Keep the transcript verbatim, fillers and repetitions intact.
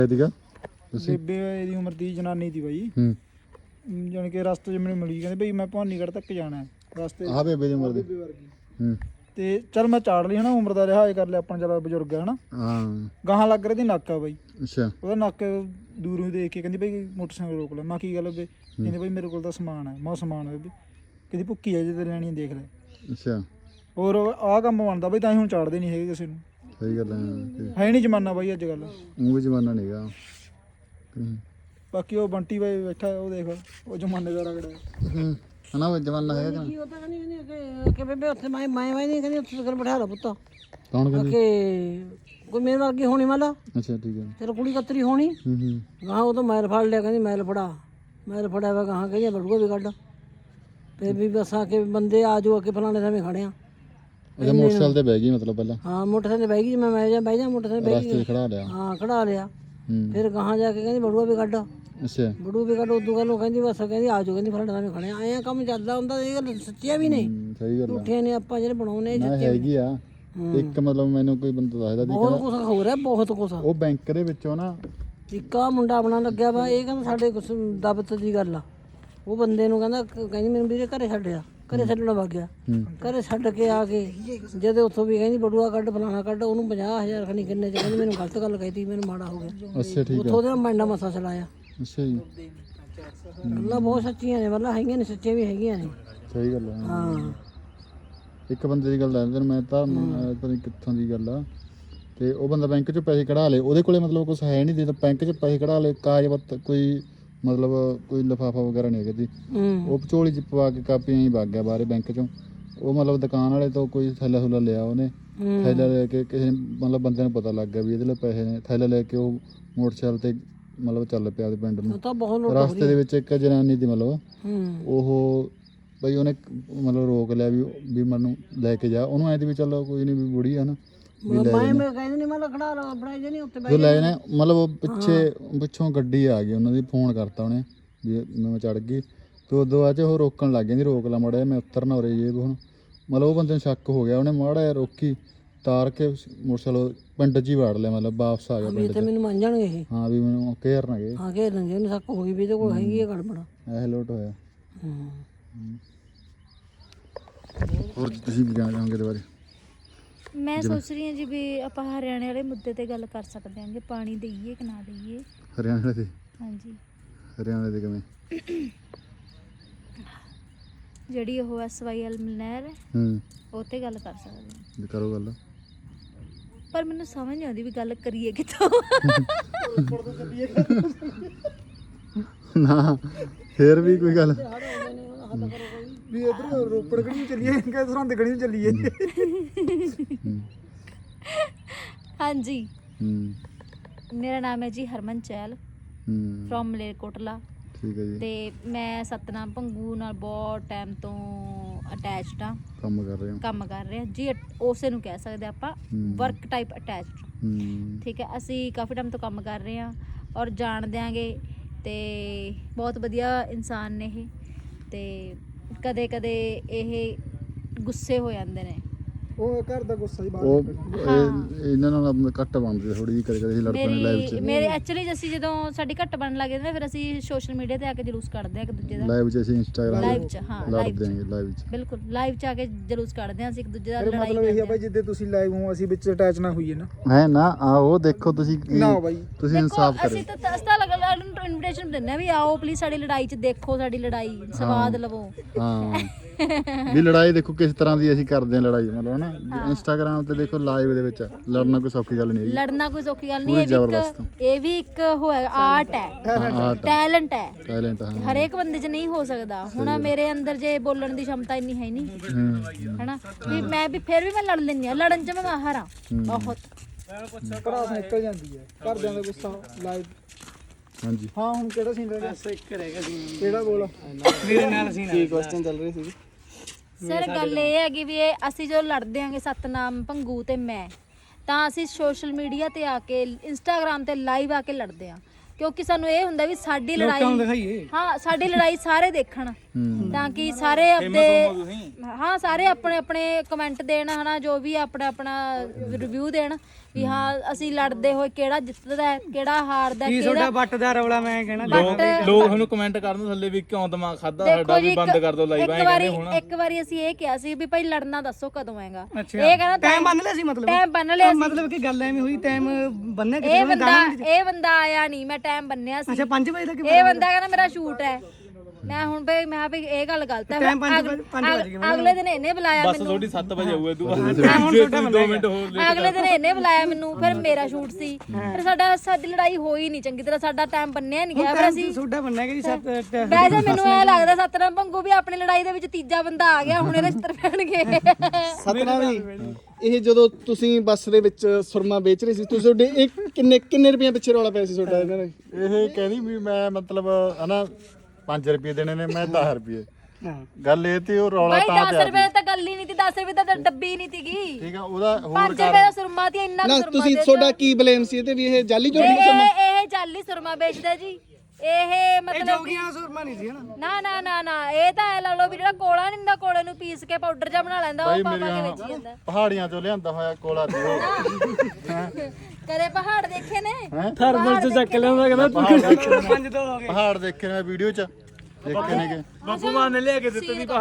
ਸੀਗਾ ਤੁਸੀਂ ਬੇਬੇ ਦੀ ਉਮਰ ਦੀ ਜਨਾਨੀ ਦੀ ਬਾਈ ਹੂੰ ਜਾਨ ਕੇ ਰਸਤੇ 'ਚ ਮੈਨੂੰ ਮਿਲੀ ਕਹਿੰਦੇ ਬਈ ਮੈਂ ਭਵਾਨੀਗੜ੍ਹ ਤੱਕ ਜਾਣਾ ਹੈ ਰਸਤੇ ਆਹ ਬੇਬੇ ਦੀ ਉਮਰ ਦੀ ਬੇਬੇ ਵਰਗੀ ਹੂੰ ਤੇ ਚੱਲ ਮੈਂ ਚਾੜ ਲਈ ਹਨਾ ਉਮਰ ਦਾ ਲਿਹਾਜ਼ ਕਰ ਲਿਆ ਆਪਾਂ ਚਲ ਬਜ਼ੁਰਗ ਹੈ ਹਨਾ ਹਾਂ ਗਾਹਾਂ ਲੱਗ ਰਹੀ ਦੀ ਨੱਕ ਆ ਬਾਈ ਅੱਛਾ ਉਹਦਾ ਨੱਕ ਦੂਰੋਂ ਹੀ ਦੇਖ ਕੇ ਕਹਿੰਦੀ ਬਈ ਮੋਟਰਸਾਈਕਲ ਰੋਕ ਲੈ ਮੈਂ ਕੀ ਗੱਲ ਬੇ ਕਹਿੰਦੇ ਬਈ ਮੇਰੇ ਕੋਲ ਤਾਂ ਸਮਾਨ ਹੈ ਮੈਂ ਸਮਾਨ ਹੈ ਬਈ ਕਹਿੰਦੀ ਭੁੱਕੀ ਹੈ ਜੇ ਤੇ ਲੈਣੀ ਦੇਖ ਲੈ ਅੱਛਾ ਹੋਰ ਆਹ ਕੰਮ ਬਣਦਾ ਬਈ ਤਾਂ ਹੀ ਹੁਣ ਚਾੜਦੇ ਨਹੀਂ ਹੈਗੇ ਕਿਸੇ ਨੂੰ ਸਹੀ ਗੱਲ ਹੈ ਹੈ ਨਹੀਂ ਜ਼ਮਾਨਾ ਬਾਈ ਅੱਜ ਕੱਲ ਉਹ ਵੀ ਜ਼ਮਾਨਾ ਨਹੀਂਗਾ ਬਾਕੀ ਉਹ ਬੰਟੀ ਬਾਈ ਬੈਠਾ ਉਹ ਦੇਖ ਉਹ ਜ਼ਮਾਨੇ ਦਾ ਰਗੜਾ ਹੂੰ ਹਨਾ ਉਹ ਜ਼ਮਾਨਾ ਹੈਗਾ ਕੀ ਉਹ ਤਾਂ ਕਹਿੰਦੀ ਕਹਿੰਦੀ ਕਿ ਬੇਬੇ ਉੱਥੇ ਮੈਂ ਮੈਂ ਮੈਂ ਨਹੀਂ ਕਹਿੰਦੀ ਉੱਥੇ ਕਰ ਬਿਠਾ ਲਾ ਪੁੱਤ ਕੌਣ ਕਹਿੰਦੀ ਕਿ ਕੋਈ ਮੇਰੇ ਵਰਗੀ ਹੋਣੀ ਮਾਲਾ ਅੱਛਾ ਠੀਕ ਹੈ ਤੇਰੇ ਕੁੜੀ ਕਤਰੀ ਹੋਣੀ ਹੂੰ ਹੂੰ ਗਾਂ ਉਹ ਤਾਂ ਮੈਲ ਫੜ ਲਿਆ ਕਹਿੰਦੀ ਮੈਲ ਫੜਾ ਮੈਲ ਫੜਿਆ ਵਾ ਗਾਂ ਕਹਿੰਦੀ ਬੜੂਆ ਵੀ ਕੱਢ ਫਿਰ ਵੀ ਬਸ ਆ ਕੇ ਬੰਦੇ ਆ ਜਾਓ ਕਿ ਫਲਾਣੇ ਸਮੇਂ ਖੜੇ ਆ ਅੱਛਾ ਮੋਟਰਸਾਈਕਲ ਤੇ ਬਹਿ ਗਈ ਮਤਲਬ ਪਹਿਲਾਂ ਹਾਂ ਮੋਟਰਸਾਈਕਲ ਤੇ ਬਹਿ ਗਈ ਮੈਂ ਮੈਂ ਜਾ ਬਹਿ ਜਾ ਮੋਟਰਸਾਈਕਲ ਬਹਿ ਰਸਤੇ ਗਈ 'ਚ ਖੜਾ ਲਿਆ ਹਾਂ ਖੜਾ ਲਿਆ ਹੂੰ ਫਿਰ ਗਾਂ ਜਾ ਕੇ ਕਹਿੰਦੀ ਬੜੂਆ ਵੀ ਕੱਢ ਅੱਛਾ ਬੜੂ ਵੀ ਕੱਢ ਉਦੋਂ ਗੱਲ ਉਹ ਕਹਿੰਦੀ ਬਸ ਕਹਿੰਦੀ ਆ ਜਾਓ ਕਹਿੰਦੀ ਫਲਾਣੇ ਸਮੇਂ ਖੜੇ ਆ ਐਂ ਕੰਮ ਚੱਲਦਾ ਹੁੰਦਾ ਇਹ ਗੱਲ ਸੱਚੀਆਂ ਵੀ ਨੇ ਹੂੰ, ਸਹੀ ਗੱਲ ਆ ਝੂਠੀਆਂ ਨੇ ਆਪਾਂ ਜਿਹੜੇ ਬਣਾਉਨੇ ਨਾ ਹੈਗੀ ਆ ਇੱਕ ਮਤਲਬ ਮੈਨੂੰ ਕੋਈ ਬੰਦਾ ਦੱਸਦਾ ਸੀ ਬਹੁਤ ਕੁਛ ਹੋ ਰਿਹਾ ਬਹੁਤ ਕੁਛ ਉਹ ਬੈਂਕ ਦੇ ਵਿੱਚੋਂ ਨਾ ਇੱਕ ਆਹ ਮੁੰਡਾ ਬਣਾ ਲੱਗਿਆ ਵਾ ਇਹ ਕਹਿੰਦਾ ਸਾਡੇ ਕੁਛ ਦਬਤ ਦੀ ਗੱਲ ਆ ਉਹ ਬੰਦੇ ਨੂੰ ਕਹਿੰਦਾ ਕ- ਕਹਿੰਦੀ ਮੈਨੂੰ ਵੀਰੇ ਘਰੇ ਛੱਡਿਆ ਘਰੇ ਛੱਡਣਾ ਵਗ ਗਿਆ ਹੂੰ ਘਰੇ ਛੱਡ ਕੇ ਆ ਕੇ ਜਦੋਂ ਉੱਥੋਂ ਵੀ ਕਹਿੰਦੀ ਬੜੂਆ ਕੱਢ ਫਲਾਣਾ ਕੱਢ ਉਹਨੂੰ ਪੰਜਾਹ ਹਜ਼ਾਰ ਖਣੀ ਕਿੰਨੇ ਚ ਕਹਿੰਦੀ ਮੈਨੂੰ ਗਲਤ ਗੱਲ ਕਹਿਤੀ ਮੈਨੂੰ ਮਾੜਾ ਹੋ ਗਿਆ ਅੱਛਾ ਠੀਕ ਉੱਥੋਂ ਉਹਦੇ ਨਾਲ ਮੈਂਡਾ ਮਸਾ ਚਲਾਇਆ ਅੱਛਾ ਜੀ ਗੱਲਾਂ ਬਹੁਤ ਸੱਚੀਆਂ ਨੇ ਮਤਲਬ ਹੈਗੀਆਂ ਨੇ ਸੱਚੀਆਂ ਵੀ ਹੈਗੀਆਂ ਨੇ ਸਹੀ ਗੱਲ ਆ ਹਾਂ ਇੱਕ ਬੰਦੇ ਦੀ ਗੱਲ ਦੱਸਦਾ ਮੈਂ ਤਾਂ ਅਹ ਪਤਾ ਨਹੀਂ ਕਿੱਥੋਂ ਦੀ ਗੱਲ ਆ ਤੇ ਉਹ ਬੰਦਾ ਬੈਂਕ 'ਚੋਂ ਪੈਸੇ ਕਢਾ ਲਏ ਉਹਦੇ ਕੋਲੇ ਮਤਲਬ ਕੁਝ ਹੈ ਨਹੀਂ ਤੇ ਬੈਂਕ 'ਚ ਪੈਸੇ ਕਢਾ ਲਏ ਕਾਗਜ਼ ਪੱਤਰ ਕੋਈ ਮਤਲਬ ਕੋਈ ਲਿਫਾਫਾ ਵਗੈਰਾ ਨਹੀਂ ਹੈਗਾ ਜੀ ਹੂੰ ਉਹ ਝੋਲੀ 'ਚ ਪਵਾ ਕੇ ਕਾਪੀਆਂ ਹੀ ਵਗ ਗਿਆ ਬਾਹਰੇ ਬੈਂਕ 'ਚੋਂ ਉਹ ਮਤਲਬ ਦੁਕਾਨ ਵਾਲੇ ਤੋਂ ਕੋਈ ਥੈਲਾ ਥੁੱਲਾ ਲਿਆ ਉਹਨੇ ਹੂੰ। ਥੈਲਾ ਲੈ ਕੇ ਕਿਸੇ ਨੇ ਮਤਲਬ ਬੰਦੇ ਨੂੰ ਪਤਾ ਲੱਗ ਗਿਆ ਵੀ ਇਹਦੇ ਲਈ ਪੈਸੇ ਨੇ ਥੈਲਾ ਲੈ ਕੇ ਉਹ ਮੋਟਰਸਾਈਕਲ ਤੇ ਮਤਲਬ ਚੱਲ ਪਿਆ ਉਹਦੇ ਪਿੰਡ ਨੂੰ ਉਹ ਤਾਂ ਬਹੁਤ ਲੋਟ ਰਸਤੇ ਦੇ ਵਿੱਚ ਇੱਕ ਜਨਾਨੀ ਦੀ ਮਤਲਬ ਹੂੰ ਉਹ ਬਈ ਉਹਨੇ ਮਤਲਬ ਰੋਕ ਲਿਆ ਵੀ ਵੀ ਮੈਨੂੰ ਲੈ ਕੇ ਜਾ ਉਹਨੂੰ ਐਂ ਤੇ ਵੀ ਚੱਲ ਕੋਈ ਨਹੀਂ ਵੀ ਬੁੜੀ ਆ ਨਾ ਮੈਂ ਮੈਂ ਕਹਿੰਦੀ ਨਹੀਂ ਮੈਂ ਖੜਾ ਲਾ ਬਣਾਈ ਜੇ ਨਹੀਂ ਉੱਤੇ ਜੋ ਲੈ ਜਾਣਾ ਮਤਲਬ ਉਹ ਪਿੱਛੇ ਪਿੱਛੋਂ ਗੱਡੀ ਆ ਗਈ ਉਹਨਾਂ ਦੀ ਫੋਨ ਕਰਤਾ ਉਹਨੇ ਵੀ ਮੈਂ ਚੜ ਗਈ ਤੇ ਉਦੋਂ ਬਾਅਦ 'ਚ ਉਹ ਰੋਕਣ ਲੱਗ ਜਾਂਦੀ ਰੋਕ ਲਾ ਮਾੜਾ ਜਿਹਾ ਮੈਂ ਉਤਰਨਾ ਉਰੇ ਜੇ ਹੁਣ ਮਤਲਬ ਉਹ ਬੰਦੇ ਨੂੰ ਸ਼ੱਕ ਹੋ ਗਿਆ ਉਹਨੇ ਮਾੜਾ ਜਿਹਾ ਰੋਕੀ ਤਾਰ ਕੇ ਮੋਟਰਸਾਈਕਲ ਪਿੰਡ 'ਚ ਹੀ ਵਾੜ ਲਿਆ ਮਤਲਬ ਵਾਪਸ ਆ ਗਿਆ ਵੀ ਪਿੰਡ ਤੇ 'ਚ ਮੈਨੂੰ ਮੰਨ ਜਾਣਗੇ ਇਹ ਹਾਂ ਵੀ ਮੈਨੂੰ ਘੇਰ ਨਾ ਗਏ ਆ ਕੇ ਰੰਗੇ ਨੂੰ ਸੱਕ ਹੋ ਗਈ ਵੀ ਇਹਦੇ ਕੋਲ ਹੈਗੀ ਹੈ ਗੜਬੜ ਇਹ ਲੋਟ ਹੋਇਆ ਹੂੰ ਹੋਰ ਤੁਸੀਂ ਕੀ ਕਹਿਣਾ ਚਾਹੋਗੇ ਇਹਦੇ ਬਾਰੇ ਮੈਂ ਸੋਚ ਰਹੀ ਹਾਂ ਜੀ ਵੀ ਆਪਾਂ ਹਰਿਆਣੇ ਵਾਲੇ ਮੁੱਦੇ ਤੇ ਗੱਲ ਕਰ ਸਕਦੇ ਹਾਂ ਕਿ ਪਾਣੀ ਦੇਈਏ ਕਿ ਨਾ ਦੇਈਏ। ਹਰਿਆਣਾ ਦੇ ਹਾਂਜੀ ਹਰਿਆਣਾ ਦੇ ਕਿਵੇਂ ਜਿਹੜੀ ਉਹ ਐਸ ਵਾਈ ਐਲ ਨਹਿਰ ਹੈ ਹੂੰ ਉਹ ਤੇ ਗੱਲ ਕਰ ਸਕਦੇ ਹਾਂ ਜੀ ਕਰੋ ਗੱਲ ਪਰ ਮੈਨੂੰ ਸਮਝ ਨਹੀਂ ਆਉਂਦੀ ਵੀ ਗੱਲ ਕਰੀਏ ਕਿੱਥੋਂ। ਨਾ ਫੇਰ ਵੀ ਕੋਈ ਗੱਲ ਵੀ ਇਧਰ ਰੋਪੜ ਗੜੀ ਚੱਲੀਏ ਕਿ ਸਰਹੰਦ ਗੜੀ ਚੱਲੀਏ ਹਾਂਜੀ ਹੂੰ ਮੇਰਾ ਨਾਮ ਹੈ ਜੀ ਹਰਮਨ ਚਹਿਲ ਹੂੰ ਫਰੋਮ ਮਲੇਰਕੋਟਲਾ ਠੀਕ ਹੈ ਜੀ ਤੇ ਮੈਂ ਸਤਨਾਮ ਭੰਗੂ ਨਾਲ ਬਹੁਤ ਟਾਈਮ ਤੋਂ ਅਟੈਚਡ ਆ ਕੰਮ ਕਰ ਰਹੇ ਹੋ ਕੰਮ ਕਰ ਰਹੇ ਹਾਂ ਜੀ ਉਸੇ ਨੂੰ ਕਹਿ ਸਕਦੇ ਆਪਾਂ ਹੂੰ। ਵਰਕ ਟਾਈਪ ਅਟੈਚਡ ਹੂੰ ਠੀਕ ਹੈ ਅਸੀਂ ਕਾਫੀ ਟਾਈਮ ਤੋਂ ਕੰਮ ਕਰ ਰਹੇ ਹਾਂ ਔਰ ਜਾਣਦੇ ਆਂਗੇ ਤੇ ਬਹੁਤ ਵਧੀਆ ਇਨਸਾਨ ਨੇ ਇਹ ਤੇ ਕਦੇ ਕਦੇ ਇਹ ਗੁੱਸੇ ਹੋ ਜਾਂਦੇ ਨੇ ਉਹ ਘਰ ਦਾ ਗੁੱਸਾ ਹੀ ਉਹ ਬਾਹਰ ਇਹ- ਇਹਨਾਂ ਨਾਲ ਆਪਣੀ ਘੱਟ ਬਣਦੀ ਥੋੜੀ ਜਿਹੀ ਕਦੇ ਕਦੇ ਅਸੀਂ ਲੜ ਪੈਂਦੇ ਲਾਈਵ ਮੇਰੀ 'ਚ ਮੇਰੇ ਐਕਚੁਅਲੀ ਅਸੀਂ ਜਦੋਂ ਸਾਡੀ ਘੱਟ ਬਣਨ ਲੱਗ ਜਾਂਦੇ ਨੇ ਫਿਰ ਅਸੀਂ ਸੋਸ਼ਲ ਮੀਡੀਆ ਤੇ ਆ ਕੇ ਜਲੂਸ ਕੱਢਦੇ ਹਾਂ ਇੱਕ ਦੂਜੇ ਦਾ ਲਾਈਵ 'ਚ ਅਸੀਂ ਇੰਸਟਾਗ੍ਰਾਮ ਲਾਈਵ 'ਚ ਹਾਂ ਲਾਈਵ ਲੜਦੇ 'ਚ ਆਂਗੇ ਲਾਈਵ 'ਚ ਬਿਲਕੁਲ ਲਾਈਵ 'ਚ ਆ ਕੇ ਜਲੂਸ ਕੱਢਦੇ ਹਾਂ ਅਸੀਂ ਇੱਕ ਦੂਜੇ ਦਾ ਫਿਰ ਲੜਾਈ ਮਤਲਬ ਇਹ ਕਰਦੇ ਆ ਬਾਈ ਜਿੱਦੇ ਤੁਸੀਂ ਲਾਈਵ ਹੋ ਅਸੀਂ ਵਿੱਚ ਅਟੈਚ ਨਾ ਹੋਈਏ ਨਾ ਹੈ ਨਾ ਆਓ ਦੇਖੋ ਤੁਸੀਂ ਕੀ- ਨਾ ਬਾਈ ਤੁਸੀਂ ਦੇਖੋ ਇਨਸਾਫ ਕਰੇ ਅਸੀਂ ਤਾਂ ਤਸਤਾ ਲਗਾ ਨੂੰ ਇਨਵੀਟੇਸ਼ਨ ਦਿੰਦੇ ਆ ਵੀ ਆਓ ਪਲੀਜ਼ ਸਾਡੀ ਲੜਾਈ 'ਚ ਦੇਖੋ ਸਾਡੀ ਲੜਾਈ ਸਵਾਦ ਲਵੋ ਹਾਂ ਵੀ ਲੜਾਈ ਦੇਖੋ ਕਿਸ ਤਰ੍ਹਾਂ ਦੀ ਅਸੀਂ ਕਰਦੇ ਹਾਂ ਲੜਾਈ ਮਤਲਬ ਨਾ ਇੰਸਟਾਗ੍ਰਾਮ ਤੇ ਦੇਖੋ ਲਾਈਵ ਦੇ ਵਿੱਚ ਲੜਨਾ ਕੋਈ ਸੌਖੀ ਗੱਲ ਨਹੀਂ ਹੈਗੀ ਲੜਨਾ ਕੋਈ ਸੌਖੀ ਗੱਲ ਨਹੀਂ ਪੂਰੀ ਇਹ ਵੀ ਜ਼ਬਰਦਸਤ। ਇੱਕ ਇਹ ਵੀ ਇੱਕ ਹੋਇਆ ਆਰਟ ਹੈ ਹਾਂ ਟੈਲੈਂਟ ਹੈ ਟੈਲੈਂਟ ਹਾਂ ਹਰੇਕ ਬੰਦੇ 'ਚ ਨਹੀਂ ਹੋ ਸਕਦਾ ਹੁਣ ਮੇਰੇ ਅੰਦਰ ਜੇ ਬੋਲਣ ਦੀ ਸ਼ਮਤਾ ਇੰਨੀ ਹੈ ਨਹੀਂ ਹੂੰ ਹੈਨਾ ਵੀ ਮੈਂ ਵੀ ਫਿਰ ਵੀ ਮੈਂ ਲੜ ਲੈਂਦੀ ਆ ਲੜਨ 'ਚ ਮੈਂ ਮਾਹਰ ਆ ਬਹੁਤ ਭੜਾਸ ਨਿਕਲ ਜਾਂਦੀ ਹੈ ਘਰਦਿਆਂ ਦਾ ਗੁੱਸਾ ਲਾਈਵ ਹਾਂਜੀ ਹਾਂ ਹੁਣ ਕਿਹੜਾ ਸੀਨ ਰਹਿ ਗਿਆ ਇੱਕ ਰਹਿ ਗਿਆ ਸੀਨ ਕਿਹੜਾ ਬੋਲ ਮੇਰੇ ਨਾਲ ਸੀਨ ਕੀ ਕੁਐਸਚਨ ਚੱਲ ਰਹੀ ਸੀ ਸਰ ਗੱਲ ਇਹ ਹੈਗੀ ਵੀ ਇਹ ਅਸੀਂ ਜਦੋਂ ਲੜਦੇ ਆਂਗੇ ਸਤਨਾਮ ਭੰਗੂ ਤੇ ਮੈਂ ਤਾਂ ਅਸੀਂ ਸੋਸ਼ਲ ਮੀਡੀਆ ਤੇ ਆ ਕੇ ਇੰਸਟਾਗ੍ਰਾਮ ਤੇ ਲਾਈਵ ਆ ਕੇ ਲੜਦੇ ਆ ਕਿਉਂਕਿ ਸਾਨੂੰ ਇਹ ਹੁੰਦਾ ਵੀ ਸਾਡੀ ਲੜਾਈ ਹਾਂ ਸਾਡੀ ਲੜਾਈ ਸਾਰੇ ਦੇਖਣ ਤਾਂ ਕਿ ਸਾਰੇ ਆਪਣੇ ਹਾਂ ਸਾਰੇ ਆਪਣੇ ਆਪਣੇ ਕਮੈਂਟ ਦੇਣ ਹਨਾ ਜੋ ਵੀ ਆਪਣਾ ਆਪਣਾ ਰਿਵਿਊ ਦੇਣ ਵੀ ਹਾਂ ਅਸੀਂ ਲੜਦੇ ਹੋਏ ਕਿਹੜਾ ਜਿੱਤਦਾ ਹੈ, ਕਿਹੜਾ ਹਾਰਦਾ ਹੈ, ਕੀ ਕਿਹੜਾ ਤੁਹਾਡਾ ਵੱਟ ਦਾ ਰੌਲਾ ਮੈਂ ਕਹਿਣਾ ਬੱਟ ਲੋਕ ਤੁਹਾਨੂੰ ਕਮੈਂਟ ਕਰਨ ਥੱਲੇ ਵੀ ਕਿਉਂ ਦਿਮਾਗ ਖਾਦਾ ਸਾਡਾ ਦੇਖੋ ਜੀ ਵੀ ਬੰਦ ਕਰ ਦੋ ਲਾਈਵ ਇੱਕ ਐ ਵਾਰੀ ਕਹਿੰਦੇ ਹੁਣ ਇੱਕ ਵਾਰੀ ਅਸੀਂ ਇਹ ਕਿਹਾ ਸੀ ਵੀ ਭਾਈ ਲੜਨਾ ਦੱਸੋ ਕਦੋਂ ਆਏਗਾ ਅੱਛਾ ਇਹ ਕਹਿੰਦਾ ਟਾਈਮ ਬੰਨ ਲਿਆ ਸੀ ਮਤਲਬ ਟਾਈਮ ਬੰਨ ਲਿਆ ਸੀ ਮਤਲਬ ਕਿ ਗੱਲ ਐਵੇਂ ਹੋਈ ਟਾਈਮ ਬੰਨਿਆ ਇਹ ਕਿਸੇ ਨੇ ਬੰਦਾ ਇਹ ਬੰਦਾ ਆਇਆ ਨਹੀਂ ਮੈਂ ਟਾਈਮ ਬੰਨਿਆ ਸੀ ਅੱਛਾ ਪੰਜ ਵਜੇ ਤੱਕ ਇਹ ਬੰਦਾ ਕਹਿੰਦਾ ਮੇਰਾ ਸ਼ੂਟ ਹੈ ਮੈਂ ਹੁਣ ਭਈ ਮੈਂ ਵੀ ਇਹ ਗੱਲ ਗਲਤ ਹੈ ਟਾਈਮ ਪੰਜ ਅਗ- ਵਜੇ- ਪੰਜ ਵਜੇ ਅਗ- ਅਗਲੇ ਦਿਨ ਇਹਨੇ ਬੁਲਾਇਆ ਬਸ ਮੈਨੂੰ ਥੋੜੀ ਸੱਤ ਵਜੇ ਹੋਊ ਤੂੰ ਹੁਣ ਤੁਹਾਡਾ ਦੋ ਮਿੰਟ ਹੋਰ ਲੈ ਅਗਲੇ ਦਿਨ ਇਹਨੇ ਬੁਲਾਇਆ ਮੈਨੂੰ ਫਿਰ ਮੇਰਾ ਸ਼ੂਟ ਸੀ ਫਿਰ ਸਾਡਾ ਸਾਡੀ ਲੜਾਈ ਹੋਈ ਨਹੀਂ ਚੰਗੀ ਤਰ੍ਹਾਂ ਸਾਡਾ ਟਾਈਮ ਬੰਨਿਆ ਨਹੀਂ ਗਿਆ ਫਿਰ ਅਸੀਂ ਤੁਹਾਡਾ ਬੰਨਿਆ ਕਿ ਜੀ ਸੱਤ ਵੈਸੇ ਮੈਨੂੰ ਇਹ ਲੱਗਦਾ ਸਤਨਾਮ ਭੰਗੂ ਵੀ ਆਪਣੀ ਲੜਾਈ ਦੇ ਵਿੱਚ ਤੀਜਾ ਬੰਦਾ ਆ ਗਿਆ ਹੁਣ ਇਹਦੇ ਚਿੱਤਰ ਪੈਣਗੇ ਸਤਨਾਮ ਜੀ ਇਹ ਜਦੋਂ ਤੁਸੀਂ ਬੱਸ ਦੇ ਵਿੱਚ ਸੁਰਮਾ ਵੇਚ ਰਹੇ ਸੀ ਤੁਸੀਂ ਤੁਹਾਡੇ ਇਹ ਕਿੰਨੇ ਕਿੰਨੇ ਰੁਪਏ ਪਿੱਛੇ ਰੌਲਾ ਪਿਆ ਸੀ ਤੁਹਾਡਾ ਇਹਨਾਂ ਦਾ ਇਹ ਕਹਿੰਦੀ ਵੀ ਮੈਂ ਮਤਲਬ ਹਨਾ ਪੰਜ ਰੁਪਏ ਦੇਣੇ ਨੇ ਮੈਂ ਦਸ ਰੁਪਏ ਹਾਂ ਗੱਲ ਇਹ ਤੇ ਉਹ ਰੌਲਾ ਭਾਈ ਤਾਂ ਦਸ ਪਿਆ ਰੁਪਏ ਤਾਂ ਗੱਲ ਹੀ ਨਹੀਂ ਸੀ ਦਸ ਰੁਪਏ ਤਾਂ ਡੱਬੀ ਨਹੀਂ ਸੀਗੀ ਠੀਕ ਆ ਉਹਦਾ ਹੋਰ ਪੰਜ ਰੁਪਏ ਦਾ ਸੁਰਮਾ ਤੇ ਇੰਨਾ ਕੁ ਨਾ ਸੁਰਮਾ ਤੁਸੀਂ ਦੇ ਤੁਹਾਡਾ ਕੀ ਬਲੇਮ ਸੀ ਇਹ ਤੇ ਵੀ ਇਹ ਜਾਲੀ ਦਿਓ। ਜੋੜੀ ਸੁਰਮਾ ਇਹ ਇਹ ਜਾਲੀ ਸੁਰਮਾ ਵੇਚਦਾ ਜੀ ਇਹ ਮਤਲਬ ਜੋਗੀਆਂ ਸੁਰਮਾ ਨਹੀਂ ਸੀ ਹਨਾ ਨਾ ਨਾ ਨਾ ਨਾ ਇਹ ਤਾਂ ਐ ਲਾ ਲਓ ਵੀ ਜਿਹੜਾ ਕੋਲਾ ਨਹੀਂ ਹੁੰਦਾ ਕੋਲੇ ਨੂੰ ਪੀਸ ਕੇ ਪਾਊਡਰ ਜਿਹਾ ਬਣਾ ਲੈਂਦਾ ਉਹ ਪਾ ਪਾ ਕੇ ਵੇਚੀ ਜਾਂਦਾ ਪਹਾੜੀਆਂ ਚੋਂ ਲਿਆਂਦਾ ਹੋਇਆ ਕੋਲਾ ਤੇ ਉਹ ਕਦੇ ਪਹਾੜ ਦੇਖੇ ਨੇ ਥਰਮਲ ਚ ਚੱਕ ਲਿਆਉਂਦਾ ਕਹਿੰਦਾ ਪਹਾੜ ਪੰਜ ਤੋਂ ਹੋ ਗਏ ਪਹਾੜ ਦੇਖੇ ਨੇ ਵੀਡੀਓ ਚ ਦੇਖੇ ਨੇਗੇ ਬਾਪੂ ਮਾਨ ਨੇ ਲਿਆ ਕੇ ਦਿੱਤੇ ਦੀ